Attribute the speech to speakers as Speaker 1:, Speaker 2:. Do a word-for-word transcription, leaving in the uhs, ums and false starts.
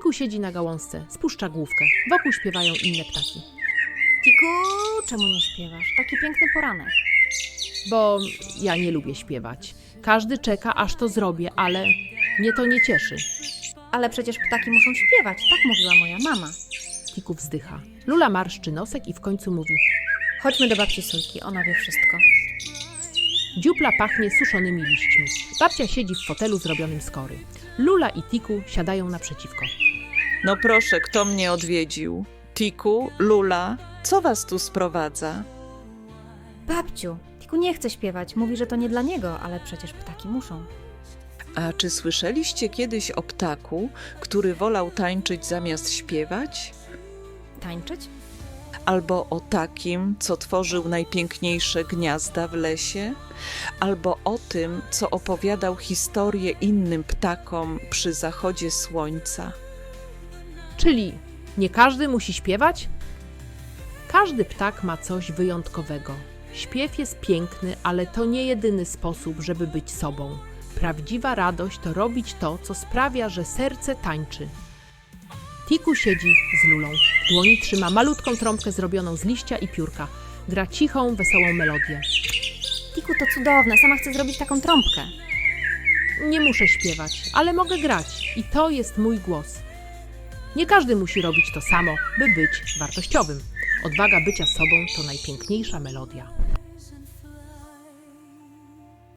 Speaker 1: Tiku siedzi na gałązce, spuszcza główkę. Wokół śpiewają inne ptaki.
Speaker 2: Tiku, czemu nie śpiewasz? Taki piękny poranek.
Speaker 1: Bo ja nie lubię śpiewać. Każdy czeka, aż to zrobię, ale mnie to nie cieszy.
Speaker 2: Ale przecież ptaki muszą śpiewać, tak mówiła moja mama.
Speaker 1: Tiku wzdycha. Lula marszczy nosek i w końcu mówi:
Speaker 2: Chodźmy do babci Sójki, ona wie wszystko.
Speaker 1: Dziupla pachnie suszonymi liśćmi. Babcia siedzi w fotelu zrobionym z kory. Lula i Tiku siadają naprzeciwko.
Speaker 3: No proszę, kto mnie odwiedził? Tiku, Lula, co was tu sprowadza?
Speaker 2: Babciu, Tiku nie chce śpiewać, mówi, że to nie dla niego, ale przecież ptaki muszą.
Speaker 3: A czy słyszeliście kiedyś o ptaku, który wolał tańczyć zamiast śpiewać?
Speaker 2: Tańczyć?
Speaker 3: Albo o takim, co tworzył najpiękniejsze gniazda w lesie? Albo o tym, co opowiadał historię innym ptakom przy zachodzie słońca?
Speaker 1: Czyli nie każdy musi śpiewać? Każdy ptak ma coś wyjątkowego. Śpiew jest piękny, ale to nie jedyny sposób, żeby być sobą. Prawdziwa radość to robić to, co sprawia, że serce tańczy. Tiku siedzi z Lulą. W dłoni trzyma malutką trąbkę zrobioną z liścia i piórka. Gra cichą, wesołą melodię.
Speaker 2: Tiku, to cudowne, sama chcę zrobić taką trąbkę.
Speaker 1: Nie muszę śpiewać, ale mogę grać i to jest mój głos. Nie każdy musi robić to samo, by być wartościowym. Odwaga bycia sobą to najpiękniejsza melodia.